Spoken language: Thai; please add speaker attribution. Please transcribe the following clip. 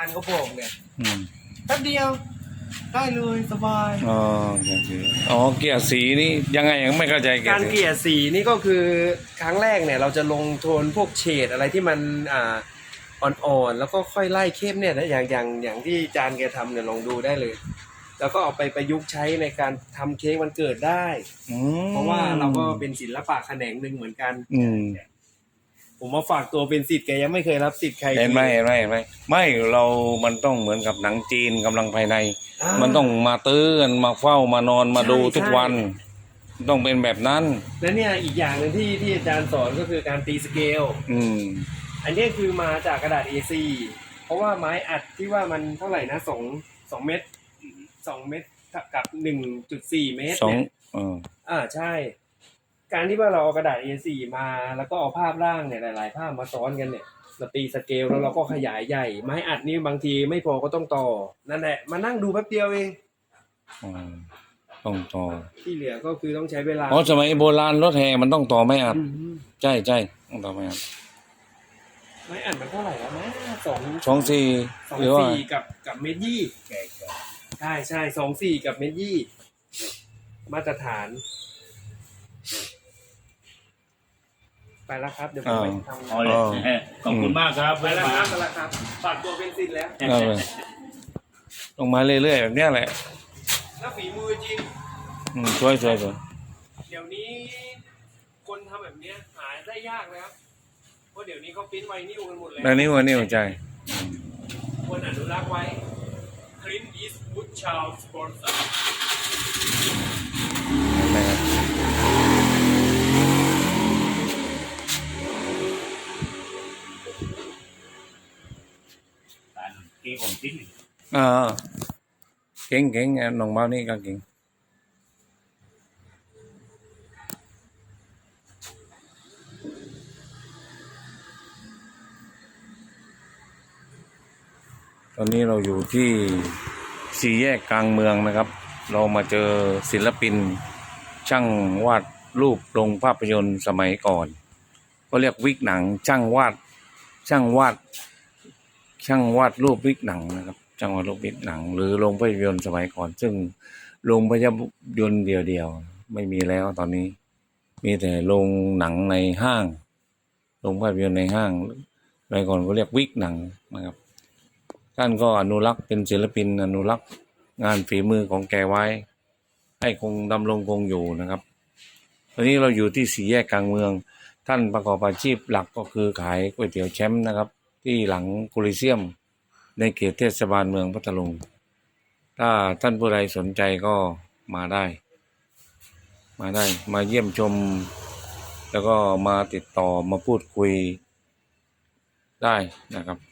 Speaker 1: ารย์เขาบอกเนี่ย
Speaker 2: อืม
Speaker 1: แป๊บเดียวได้เลยสบาย
Speaker 2: อ๋อโอเคอ๋อเกลี่ยสีนี่ยังไงยังไม่เข้าใจเกลี่
Speaker 1: กาย ร
Speaker 2: สี
Speaker 1: เกลี่ยสีนี่ก็คือครั้งแรกเนี่ยเราจะลงโทนพวกเฉดอะไรที่มันอ่อนๆแล้วก็ค่อยไล่เข้มเนี่ยนะอย่างที่จานแกทำเนี่ยลองดูได้เลย แล้วก็เอาไปประยุกต์ใช้ในการทำเค้กวันเกิดได้
Speaker 2: อืม
Speaker 1: เพราะว่าเราก็เป็นศิลปะแขนงหนึ่งเหมือนกัน
Speaker 2: อืม
Speaker 1: ผมมาฝากตัวเป็นศิษย์แกยังไม่เคยรับศิษย์ใคร
Speaker 2: เห็นไหมเห็นไหมเห็นไหมไม่เรามันต้องเหมือนกับหนังจีนกำลังภายใน มันต้องมาตื้อกันมาเฝ้ามานอนมาดูทุกวัน ต้องเป็นแบบนั้น
Speaker 1: และเนี่ยอีกอย่างหนึ่งที่อาจารย์สอนก็คือการตีสเกล
Speaker 2: อืม
Speaker 1: อันนี้คือมาจากกระดาษ A4 เพราะว่าไม้อัดที่ว่ามันเท่าไหร่นะ2 เมตร2 เมตรกับ 1.4 เมตร
Speaker 2: สอง
Speaker 1: เนี่ยใช่ การที่ว่าเราเอากระดาษ A4 มาแล้วก็เอาภาพร่างเนี่ยหลายๆภาพมาซ้อนกันเนี่ยเราตีสเกลแล้วเราก็ขยายใหญ่ไม้อัดนี่บางทีไม่พอก็ต้องต่อนั่นแหละมานั่งดูแป๊บเดียวเอง
Speaker 2: ต้องต่อ
Speaker 1: ที่เหลือก็คือต้องใช้เวลา
Speaker 2: เพราะสมัยโบราณรถแห่มันต้องต่อไม่อัด
Speaker 1: อืม
Speaker 2: ใช่ใช่ต้องต่อไม่อัด
Speaker 1: ไม้อัดมันเท่าไหร่แล้วนะ
Speaker 2: 24
Speaker 1: 2
Speaker 2: หรือว่า
Speaker 1: 4กับเมตรยี่ใช่2 4กับเมตรยี่มาตรฐานไปแล้วครับเดี๋ยวผมไปทำ
Speaker 3: เอาเลยขอบคุณมากครับ
Speaker 1: ไปแล้วครับไปแล้วครับฝากตัวเป็นศิษย์แล้ว
Speaker 2: เอาไปลงมาเรื่อยๆแบบเนี้ยแหละ
Speaker 1: แล้วฝีมือจริง
Speaker 2: สวยสวยสวย
Speaker 1: เดี๋ยวนี้คนทำแบบเนี้ยหาได้ยากนะครับเพราะเดี๋ยวนี้เขาปริ้นไวนิลกันหมดแล้ว
Speaker 2: แล้วนี่วันนี้หัวใจ
Speaker 1: ควรอนุรักษ์ไว้คลินอีสวูดชาลสปอนเซอร์
Speaker 2: นะครับ
Speaker 3: การเกี่ยวกับทิ้ง
Speaker 2: อ่าเก่งเก่งน้องเบานี่ก็เก่งตอนนี้เราอยู่ที่สี่แยกกลางเมืองนะครับ เรามาเจอศิลปิน ช่างวาดรูปลงภาพยนตร์สมัยก่อนก็เรียกวิกหนัง ช่างวาดรูปวิกหนังนะครับช่างวาดรูปวิกหนัง หรือโรงภาพยนตร์สมัยก่อน ซึ่งโรงภาพยนตร์เดียวๆไม่มีแล้วตอนนี้ มีแต่โรงหนังในห้างโรงภาพยนตร์ในห้างสมัยก่อนก็เรียกวิกหนังนะครับท่านก็อนุรักษ์เป็นศิลปินอนุรักษ์งานฝีมือของแกไว้ ให้คงดำรงคงอยู่นะครับตอนนี้เราอยู่ที่สี่แยกกลางเมือง ท่านประกอบอาชีพหลักก็คือขายก๋วยเตี๋ยวแชมป์นะครับ ที่หลังโคลิเซียมในเขตเทศบาลเมืองพัทลุงถ้าท่านผู้ใดสนใจก็มาได้ มาเยี่ยมชม แล้วก็มาติดต่อมาพูดคุยได้นะครับ